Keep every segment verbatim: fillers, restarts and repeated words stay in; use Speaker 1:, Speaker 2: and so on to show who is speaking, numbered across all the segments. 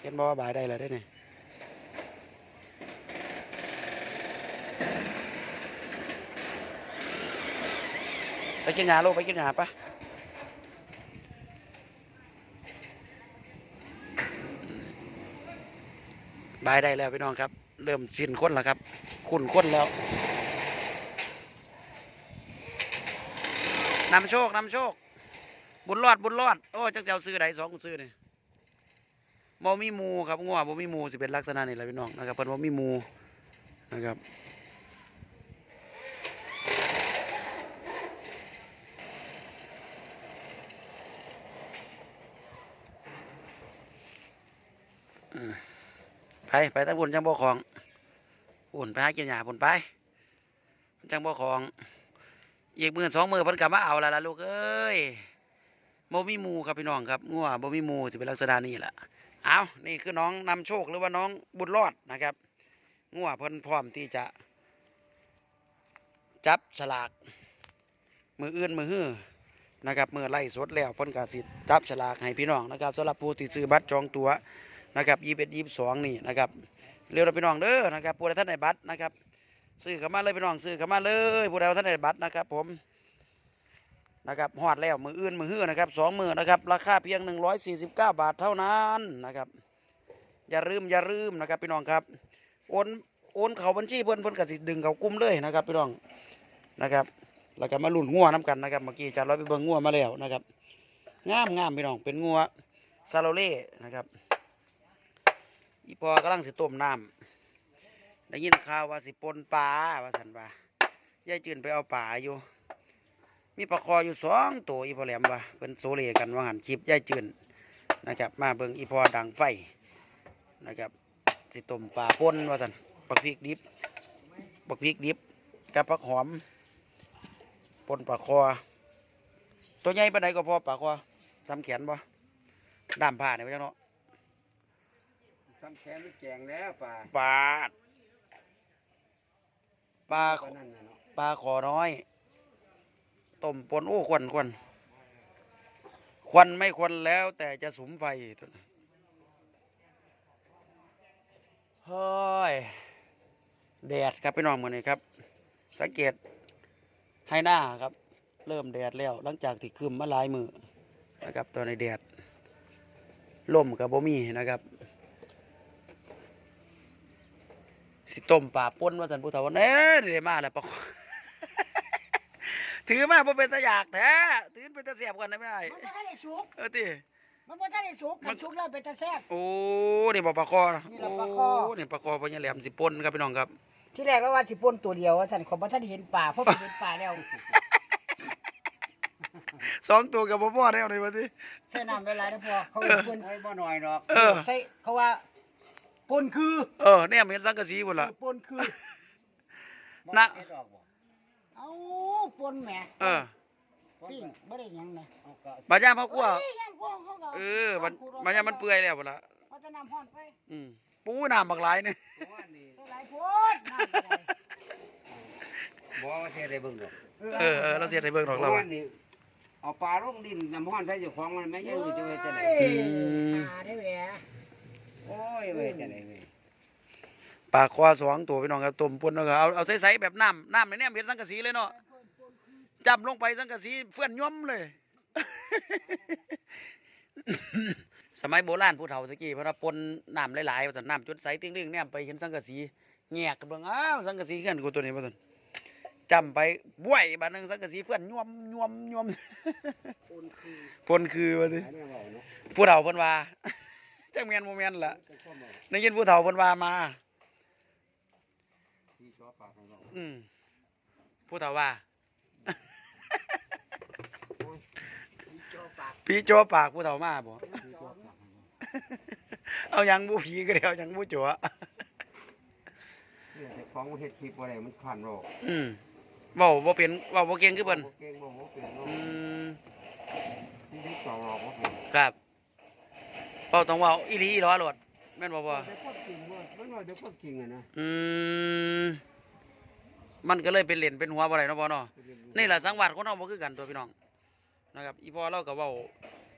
Speaker 1: เห็นบอกว่าบายได้แล้วได้เนี่ยไปกินยาลูกไปกินยาปะบายได้แล้วพี่น้องครับเริ่มสิ้นข้นแล้วครับขุ่นข้นแล้วนำโชคนำโชคบุญรอดบุญรอดโอ้จักเจ้าซื้อไหนสองกูซื้อเนี่ยบ่มีมูครับงัวบ่มีมูสิเป็นลักษณะนี้แหละพี่น้องนะครับเพิ่นบ่มีมูนะครับไปไปตะบุญจังบ่ของบุญไปหากินหญ้าบุญไปจังบ่ของอีกมือสองมือเพิ่นกลับมาเอาละล่ะลูกเอ้ยบ่มีมูครับพี่น้องครับงัวบ่มีมูสิเป็นลักษณะนี้แหละเอานี่คือน้องนำโชคหรือว่าน้องบุญรอดนะครับงัวเพิ่นพร้อมที่จะจับฉลากมืออื่นมือฮื้อนะครับมือไล่สดแล้วเพิ่นก็สิจับฉลากให้พี่น้องนะครับสำหรับผู้ที่ซื้อบัตรจองตั๋วนะครับยี่สิบเอ็ดยี่สิบสองนี่นะครับเร็วเราพี่น้องเด้อนะครับผู้ใดท่านได้บัตรนะครับซื้อเข้ามาเลยพี่น้องซื้อเข้ามาเลยผู้ใดท่านได้บัตรนะครับผมนะครับฮอดแล้วมืออื่นมือฮื้อนะครับสองมือนะครับราคาเพียงหนึ่งร้อยสี่สิบเก้าบาทเท่านั้นนะครับอย่าลืมอย่าลืมนะครับพี่น้องครับโอนโอนเขาบัญชีเพิ่นเพิ่นก็สิดึงเขากุ้มเลยนะครับพี่น้องนะครับแล้วก็มาลุ่นงัวน้ำกันนะครับเมื่อกี้จานร้อยไปเบิ่งงัวมาแล้วนะครับงามงามพี่น้องเป็นงัวซาโลเล่นะครับอีพอกำลังสิต้มน้ำได้ยินข่าวว่าสิปนปลาว่าสันว่ายายจืนไปเอาปลาอยู่มีปลาคออยู่สองตัวอีพอแหลมว่าเป็นโซเลกันว่าหันคลิปยายจืนนะครับมาเบิ่งอีพอดังไฟนะครับสิต้มปลาปนว่าสันปักพริกดิบปักพริกดิบกับผักหอมปนปลาคอตัวใหญ่ปานใดก็พอปลาคอซ้ำแขนบ่ด้ามผ้าเนี่ยพี่เจ้าเนาะ
Speaker 2: ซ้ำแขนไม่แกงแล้วปลา
Speaker 1: ปลาปลาปลาขอน้อยต้มปนโอ้ควันควันควันไม่ควันแล้วแต่จะสุมไฟเฮ้ยแดดครับพี่น้องมือนี้ครับสังเกตให้หน้าครับเริ่มแดดแล้วหลังจากที่คืมมาหลายมือนะครับตอนในแดดล่มกับบ่มีนะครับสิต้มปลาป่นว่าสันผู้เฒ่าเน่เดี๋ยวมาแล้วปะ ถือมาบ่เป็นตะอยากแท้ถือเป็นตะเสียบก่อนได้ไหมไอ้
Speaker 3: มันบ่ทันได้สุก
Speaker 1: เออติ
Speaker 3: มันบ่ทันได้สุกกันสุกแล้วเป็นตะแซ่บ
Speaker 1: โอ้นี่บ่ปลาคอนะ
Speaker 3: นี่ล่ะปลาคอ
Speaker 1: โอ้นี่ปลาคอพญาแหลมสิป่นครับพี่น้องครับ
Speaker 3: ที่แรกว่าว่าสิป่นตัวเดียวว่าท่านขอบ่ทันได้เห็นป่าเพราะไปเห็นป่าแล้ว
Speaker 1: สองตัวกับบ่พอแล้วนี่ว่าติ
Speaker 3: ใส่น้ำเวลาได้พอเขาเห็นป่น
Speaker 2: ไอ้บ่หน่อยดอก
Speaker 1: เออ
Speaker 3: ใส่เขาว่าป่นคือ
Speaker 1: เออเนี่ยเห็นสังกะสีพุ่นล่ะ
Speaker 3: ป่นคือ
Speaker 1: นะ
Speaker 2: เฮ็ดออกบ่
Speaker 3: เอ้าป่นแหม
Speaker 1: เออ
Speaker 3: ปิ้งบ่ได้หยังนะ
Speaker 2: เอาก็
Speaker 1: บาดย่างพ่อครัว
Speaker 3: โอ้ยย่างพวกเขาก็
Speaker 1: เออมันมันย่างมันเปื่อยแล้วพุ่นล่ะ
Speaker 3: เขาจะน้ำร้อนไป
Speaker 1: อืมปูน้ำบักหลายนี่
Speaker 2: เพราะว่านี่
Speaker 3: ใส่หลายโพดน้ำก็ได้
Speaker 2: บ่ว่าเฮ็ดได้เบิ่งดอก
Speaker 1: เออเออเราเสียให้เบิ่งดอกเรา
Speaker 2: เพราะ
Speaker 1: อะ
Speaker 2: ว่านี่เอาปลาลงดินน้ำร้อนใส่เจ้าของมันไม่ใช่ว่าจะเฮ็ดจังได๋
Speaker 3: โอ้ยหาได้แหม
Speaker 2: โอ้ยเว้ยจังได๋เว้ย
Speaker 1: ปลาคอสองตัวพี่น้องครับต้มป่นแล้วก็เอาเอาใสๆแบบน้ำน้ำในเนี่ยเห็นสังกะสีเลยเนาะจำลงไปสังกะสีเฟื่อนย่อมเลย สมัยโบราณผู้เฒ่าตะกี้เพราะว่าปนน้ำหลายๆว่าซั่นน้ำจุดใสติ้งๆเนี่ยไปเห็นสังกะสีแงกกันเบิ่งอ้าวสังกะสีเฮือนกูตัวนี้ว่าซั่นจำไปบ้วยบาดนึงสังกะสีเฟื่อนย่อมย่อมย่อม
Speaker 3: ป่นคือ
Speaker 1: ปนคือว่าติ
Speaker 2: อันนี้เว้าเนาะ
Speaker 1: ผู้เฒ่าเพิ่นว่า จักแม่นบ่แม่นล่ะ
Speaker 2: ก็ความเว้า
Speaker 1: ได้ยินผู้เฒ่าเพิ่นว่ามา
Speaker 2: ที่ชอบปลาของเรา
Speaker 1: อืมผู้เฒ่าว่า
Speaker 3: โจปาก
Speaker 1: ผีจัวปากผู้เฒ่ามาบ่
Speaker 2: ที่ชอบปลาของเรา
Speaker 1: เอาหยังบูผีก็เดียวหยังบูจัว
Speaker 2: เนี่ยแต่ของเฮ็ดคลิปบ่ได้มันคันโรค
Speaker 1: อืมเว้าบ่เป็นเว้าบ่เก่งคือเพิ่น
Speaker 2: บ่เก่งบ่บ่เป็นโรค
Speaker 1: อืม
Speaker 2: ที่ได้ต่อรอกบ่เป็น
Speaker 1: ครับเว้าต้องเว้าอีหลีอีหลอโลดแม่นบ่พ่อ
Speaker 2: แต่ความจริงว่ามันว่าแต่ความจริงอะนะ
Speaker 1: อืมมันก็เลยเป็นเหรียญเป็นหัวบ่ได้เนาะพ่อเนาะนี่ล่ะสังวาสคนเฮาบ่คือกันตัวพี่น้องนะครับอีพ่อเราก็เว้า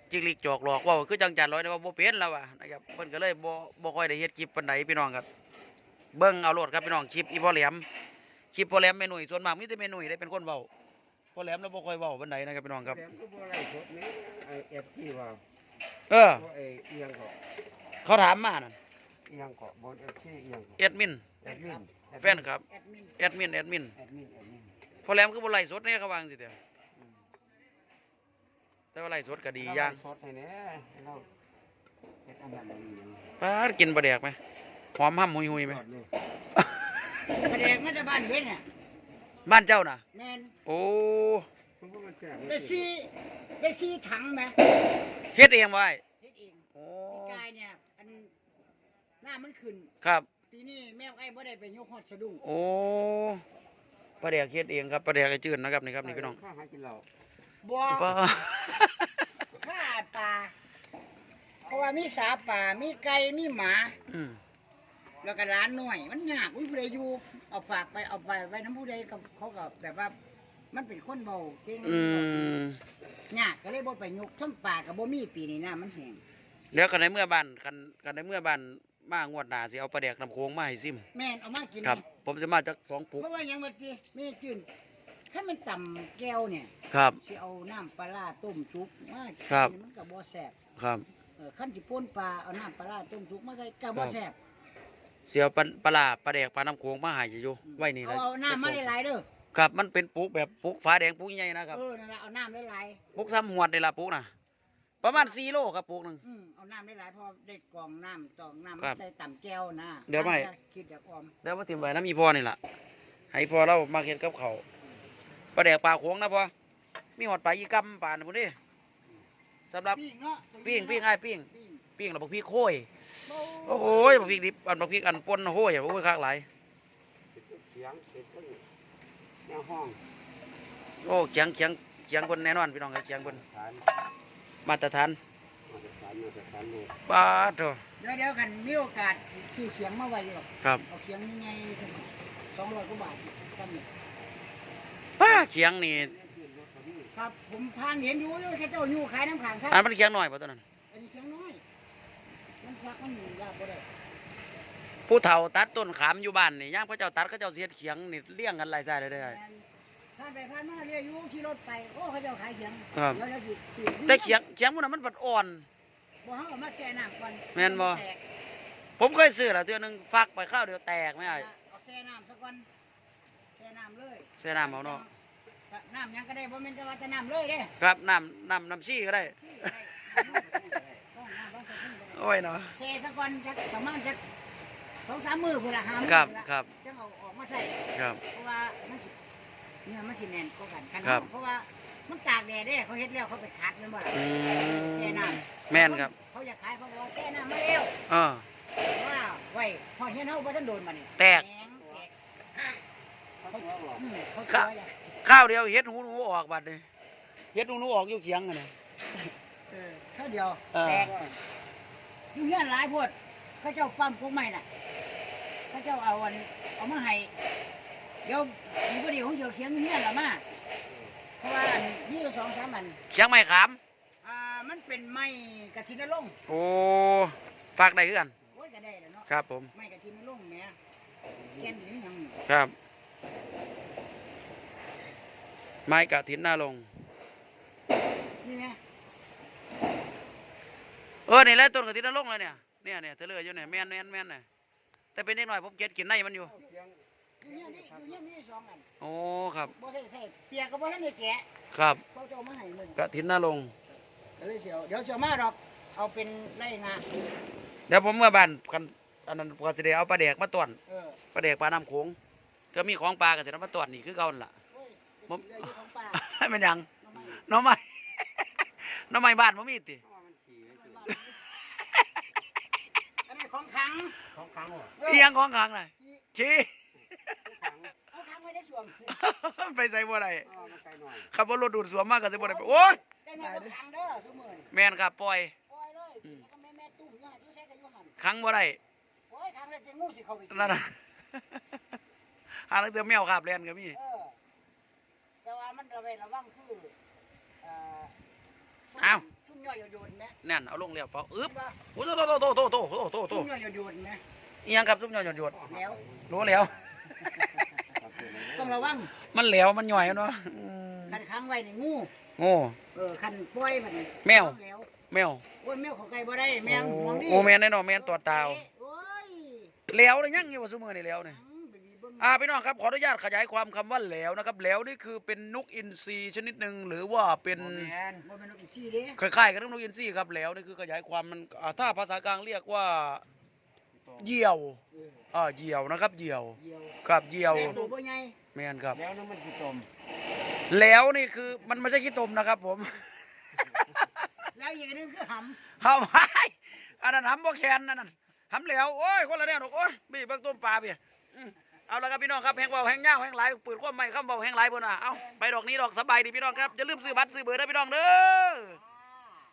Speaker 1: จิกลิกจอกหลอกเว่าคือจังจันร้อยนะว่าบ่เป็นแล้วว่ะนะครับเพิ่นก็เลยบ่บ่ค่อยได้เฮ็ดคลิปปานใดพี่น้องครับเบิ่งเอาโลดครับพี่น้องคลิปอีพ่อแหลมคลิปพ่อแหลมแม่หนุ่ยส่วนมากมีแต่แม่หนุ่ยได้เป็นคนเว้าพ่อแหลมเราบ่ค่อยเว้าปานใดนะครับพี่น้องครับ
Speaker 2: แถมก็บ่ไรสดนี่ไอเอฟซีว่า
Speaker 1: เออ
Speaker 2: เพราะไอเอียงเกาะ
Speaker 1: เขาถามมานั่น
Speaker 2: เอียงเกาะบนเอฟซีเอียงเกาะ
Speaker 1: แอดมิน
Speaker 2: แอดมิน
Speaker 1: แฟนครับ
Speaker 3: แอดมิน
Speaker 1: แอดมินแอดมิน
Speaker 2: แอดมินแอดมิน
Speaker 1: พ่อแหลมคือบ่ไล่สดแน่เขาวาจังสิเด้อ
Speaker 2: อืม
Speaker 1: แต่ว่าไล่สดก็ดีอย่าง
Speaker 2: สดให้แน่ให้เราเฮ็ดอันนั้นอันนี้อย่างนี้
Speaker 1: ปาดกินปลาแดกไหมหอมห่ำหุยหุยไหม
Speaker 2: ยอดเลย
Speaker 3: กระแดกมาจากบ้านเว้นเนี่ย
Speaker 1: บ้านเจ้าน่ะ
Speaker 3: แม่น
Speaker 1: โอ้
Speaker 2: สมมุติมันแซ่บ
Speaker 3: ได้ซีได้ซีถังไหม
Speaker 1: เฮ็ดเองไว้
Speaker 3: เฮ็ดเอง
Speaker 1: โอ้
Speaker 3: ปีกายเนี่ยอันหน้ามันขึ้น
Speaker 1: ครับ
Speaker 3: ปีนี้แม่ไอ้บ่ได้ไปยกฮอดสะดุ้ง
Speaker 1: โอ้ปลาแดกเฮ็ดเองครับปลาแดกไอ้จืดนะครับนี่ครับนี่พี่น้อง
Speaker 2: ข้าหากินเหล้า
Speaker 3: บ่
Speaker 1: ปลา
Speaker 3: ฆ่าปลาเพราะว่ามีสาป่ามีไก่มีหมา
Speaker 1: อืม
Speaker 3: แล้วก็ร้านหน่อย มันยากวิผู้ใดอยู่เอาฝากไปเอาไปไว้น้ำผู้ใดกับเขาก็แบบว่า มันเป็นคนเบาเก่ง
Speaker 1: อืม
Speaker 3: ยากก็เลยบ่ไปยกทั้งป่ากับบ่มีปีนี้น้ำมันแห้ง
Speaker 1: แล้วกันในเมื่อบ้านกันกันในเมื่อบ้านมางวดหน้าสิเอาปลาแดกน้ำโค้งมาให้ซิม
Speaker 3: แม่นเอามากิน
Speaker 1: ครับ
Speaker 3: นี่
Speaker 1: ผมจะมาจากสองปุก
Speaker 3: เพราะว่าหยังว่าติแม่จืนถ้ามันต่ำแก้วเนี่ย
Speaker 1: ครับ
Speaker 3: สิเอาน้ำปลาร้าต้มจุกมา
Speaker 1: ครับ
Speaker 3: มันก็บ่แซ่บ
Speaker 1: ครับ
Speaker 3: เออขั้นสิป่นปลาเอาน้ำปลาร้าต้มจุกมาใส่ก็บ่แซ่บ
Speaker 1: เสียวปลาปลาร้าปลาแดกปลาน้ำโค้งมาให้อยู่ไว้นี่
Speaker 3: เอา
Speaker 1: นะ
Speaker 3: เอาน้ำมาหลายๆเด้อ
Speaker 1: ครับมันเป็นปุกแบบปุกฟ้าแดงปุกใหญ่นะครับ
Speaker 3: เออนั่นล่ะเอาน้ำหลาย
Speaker 1: ปุกซ้ำหวดนี่ล่ะปุกน่ะประมาณสี่โลครับปุกหนึง
Speaker 3: ๆอืมเอาน้ำหลายๆพอได้กรองน้ำตองน้ำ
Speaker 1: ครั
Speaker 3: มา
Speaker 1: บ
Speaker 3: ใส่ต่ำแก้วนะ
Speaker 1: เดี๋ยวไม่
Speaker 3: คิดอยากออม
Speaker 1: แล้วมาถิ่มไว้น้ำมีพ่อนี่ล่ะให้พ่อเรามาเฮ็ดกับเขาวปลาแดกปลาโค้งนะพ่อมีหอดปลาอีกำปลาน่ะพุ่นดิสำหรับ
Speaker 3: ปิ้งเนาะ
Speaker 1: ปิ้งปิ้งไอ้ายปิ้ง
Speaker 3: ปิ้ง
Speaker 1: ปิ้งแล้วบักพริกโค้ย
Speaker 3: โอ้
Speaker 1: โอ้ยบักพริกดิบอันบักพริกอันป่นโห้ยโอ้ยคักหลาย
Speaker 2: เสียงเสียงเพิ่นแนวห้อง
Speaker 1: โอ้เคียงเคียงเคียงคนแน่นอนพี่น้องครับเคียงคน
Speaker 2: ฐาน
Speaker 1: มาตรฐาน
Speaker 2: มาตรฐานมาตรฐานเลย
Speaker 1: ป้าดโถ
Speaker 3: เดี๋ยวเดี๋ยวกันมีโอกาสซื้อเขียงมาไว้อยู่หรอก
Speaker 1: ครับ
Speaker 3: เอาเขียงยังไงสองร้อยกว่าบาทซ้ำนี่
Speaker 1: ป้าเคียงนี่
Speaker 3: ครับผมพานเห็นอยู่เลยแค่เจ้าอยู่ขายน้ำขังครับ
Speaker 1: อันมันเคียงหน่อยป่ะตัวนั้น
Speaker 3: อันนี้เขียงน้อยมันพักมันอยู่ยากก็ได้
Speaker 1: ผู้เฒ่าตัดต้นขามอยู่บ้านนี่ย่างพระเจ้าตัดก็เจ้าเสียดเคียงนี่เลี้ยงกันหลายสายเลยได้อ
Speaker 3: ผ่านไปผ่านมาเรียกอยู่ขี่รถไปโอ้เขาเจ้าขายเขียง
Speaker 1: ครับ
Speaker 3: เดี๋ยวเดี๋ยวสิสิ
Speaker 1: แต่เคียงเคียงพวกนั้นมันบัดอ่อน
Speaker 3: บ่เฮาเอามาแช่น้ำก่อน
Speaker 1: แม่นบ่
Speaker 3: แตก
Speaker 1: ผมเคยซื้อแล้วตัวหนึงฟักไปข้าวเดียวแตกไม่ได้
Speaker 3: เอาแช่น้ำซะก่อนแช่น้ำเลย
Speaker 1: ใส่น้ำเอาเนาะ
Speaker 3: น้ำหยังก็ได้บ่แม่นจะว่าจะน้ำเลยเด้
Speaker 1: ครับน้ำน้ำน้ำซี่ก็ได้
Speaker 3: ที่ก็ได้ต้องน้ำต้องใส่ถุงก็ได้
Speaker 1: โอ้ยเนาะ
Speaker 3: แช่ซะก่อนจักประมาณจักสองสามมื้อพุ่นละห้ามื้อ
Speaker 1: ครับ
Speaker 3: พุ่นละ
Speaker 1: ครับ
Speaker 3: จังเอาออกมาใส่
Speaker 1: ครับ
Speaker 3: เพราะว่ามันสิเนื้อมันสิแน่นกว่ากันกัน
Speaker 1: ครับ
Speaker 3: เพราะว่ามันตากแดดเด้เขาเฮ็ดแล้วเขาไปคัดแม่นบ่ล่ะ
Speaker 1: อืม
Speaker 3: แช่น้ำ
Speaker 1: แม่นครับ
Speaker 3: เขาอยากขายเขาบอกว่าแช่น้ำมาแล้ว
Speaker 1: เออ
Speaker 3: ว่าไว้พอเฮ็ดเฮาบ่ทันโดนมานี่
Speaker 1: แตก
Speaker 3: แตกแตก
Speaker 2: เขาตัวหรอก
Speaker 3: อืมเขา
Speaker 1: ครั
Speaker 3: ตัว
Speaker 1: บ
Speaker 3: อย่า
Speaker 1: ข้าวเดียวเฮ็ดหูหนูออกบัดเลยเฮ็ดหูหนูออกอยู่เคียงกันนะ
Speaker 3: เออเท่าเดียว
Speaker 1: เออ
Speaker 3: แตกอยู่เฮียนหลายโพดเขาเจ้าปั๊มพวกใหม่น่ะเขาเจ้าเอาอันเอามาให้เดี๋ยวมีบ่ดีของเสียวเขียงเฮียนละมาเพราะว่าอันมีอยู่สองสามอัน
Speaker 1: เคียงไม้ขาม
Speaker 3: อ่ามันเป็นไม้กระถินนรงค์
Speaker 1: โอ้ฝากได้คือกัน
Speaker 3: โอ้ยก็ได้แล้วเนาะ
Speaker 1: ครับผม
Speaker 3: ไม้กระถินนรงค์แหมแก่นหรือหยังนี่
Speaker 1: ครับ ไม้กะถินหน้าลง
Speaker 3: นี่แหม
Speaker 1: เออนี่แหละต้นกะถินหน้าลงเลยเนี่ยเนี่ยเนี่ยเธอเลืออยู่เนี่ยแม่นแม่นแม่นเนี่ยแต่เป็นเด็กหน่อยผมเก็ดกินในมันอยู่
Speaker 2: เสียง
Speaker 3: อยู่เฮียนนี่อยู่เฮียนนี่สองอัน
Speaker 1: โอ้ครับ
Speaker 3: บ่ได้ใส่เปียกก็บ่ทันได้แกะ
Speaker 1: ครับ
Speaker 3: เขาจะเอามาให้มื้อนี้
Speaker 1: กะถินหน้าลง
Speaker 3: เดี๋ยวเสียวเดี๋ยวเสียวมาดอก เอาเป็นไร่งา
Speaker 1: เดี๋ยวผมเมื่อบ้านกันอันนั้นก็สิได้เอาปลาแดกมาต้อน
Speaker 3: เออ
Speaker 1: ปลาแดกปลาน้ำโขงก็มีของปลาก็สิเอามาต้อนนี่คือเก่านั่นล่ะ
Speaker 3: โอ้ย
Speaker 1: ผม
Speaker 3: เรืออยู่ของป่า
Speaker 1: ให้มันหยัง
Speaker 3: น้องไม้
Speaker 1: หน้องใหม่ หน้องใหม่บ้านบ่มีติ
Speaker 2: ว่ามันขี่ไว้จุด
Speaker 3: อันนี้ของขัง
Speaker 2: ของครั้งเหรอ
Speaker 3: เออ
Speaker 1: อีหยังของขังน่ะขี้
Speaker 2: ของครั้ง
Speaker 3: เอาขังไว้ในสวม
Speaker 1: ไปใส่บ่ได้
Speaker 2: อ๋อมันไกลหน่อย
Speaker 1: ขับรถดูดสวมมากก็สิบ่ได้ไปโอ้ย
Speaker 3: เจ้าหน้าที่ขังเด้อทุกมื้อนี่
Speaker 1: แม่นครับปล่อย
Speaker 3: ปล่อยเลย
Speaker 1: อืม
Speaker 3: แล้วก็แม่แม่ตุ้มอยู่หั่นอยู่ใส่ก็อยู่หั่น
Speaker 1: ขังบ่ได้
Speaker 3: โอ้ยขังแล้วจะงูสิเข้าไปกิน
Speaker 1: นั่นน่ะ หาลังเตือแมวคาบเล่นก็มี
Speaker 3: เออแต่ว่ามันระเวดระวังคือเอ่อข
Speaker 1: เอา
Speaker 3: ชุ่มย่อยโยนๆไหม
Speaker 1: นั่นเอาลงแล้วเปล่าอึ๊บ
Speaker 3: ว่า
Speaker 1: โอ้โตโตโตโตโตโตโตโต
Speaker 3: ชุ่มย่อยโยนๆไหม
Speaker 1: อีหยังครับซุปหยอดหยด
Speaker 3: แล้ว
Speaker 1: รู้แล้ว
Speaker 3: ต้องระวัง
Speaker 1: มันแหลวมันหย่อยเนาะอืม
Speaker 3: คันค้างไว้ในงู
Speaker 1: โง่
Speaker 3: เออคันปล่อยมัน
Speaker 1: แมว
Speaker 3: แล้ว
Speaker 1: แมว
Speaker 3: โอ้ยแมวเขาไกลบ่ได้แมวห่วงดิ
Speaker 1: โอ้แมนแน่นอนแมนตัวตาว
Speaker 3: โอ้ย
Speaker 1: แหลวเลยยังอยู่ว่าซุมือนี่แหลวนี่
Speaker 3: อืมไปบีบเบิ่ง
Speaker 1: อ่าพี่น้องครับขออนุญาตขยายความคำว่าแหลวนะครับแหลวนี่คือเป็นนกอินทรีชนิดหนึ่งหรือว่าเป็น
Speaker 2: บ่แม่น
Speaker 3: บ่เป็นนกอีซี่เด้
Speaker 1: คล้ายๆกับนกอินทรีครับแหลวนี่คือขยายความมันอ่าถ้าภาษากลางเรียกว่าเหยี่ยว
Speaker 3: เออ
Speaker 1: อ่าเหยี่ยวนะครับเหยี่ยว
Speaker 3: เดียว
Speaker 1: ครับเหยี่ยว
Speaker 3: แต่ตัวบ่ใหญ่
Speaker 1: แมนครับ
Speaker 2: แล้วน้ำมันสิต้ม
Speaker 1: แหลวนี่คือมันไม่ใช่ขี้ตมนะครับผม
Speaker 3: แล้วอีกอันหนึงคือหำ
Speaker 1: หำไว้อันนั้นหำบ่แคนนั่นน่ะหำแหลวโอ้ยคนละแนวดอกโอ้ยบีบเบิ่งต้มปลาพี่อืมเอาละครับพี่น้องครับแหงเบาแหงยาวแหงหลายปืนความไม่คำเบาแหงหลายบนน่ะเอาไปดอกนี้ดอกสบายดีพี่น้องครับอย่าลืมซื้อบัตรซื้อเบอร์ได้พี่น้องเด้อ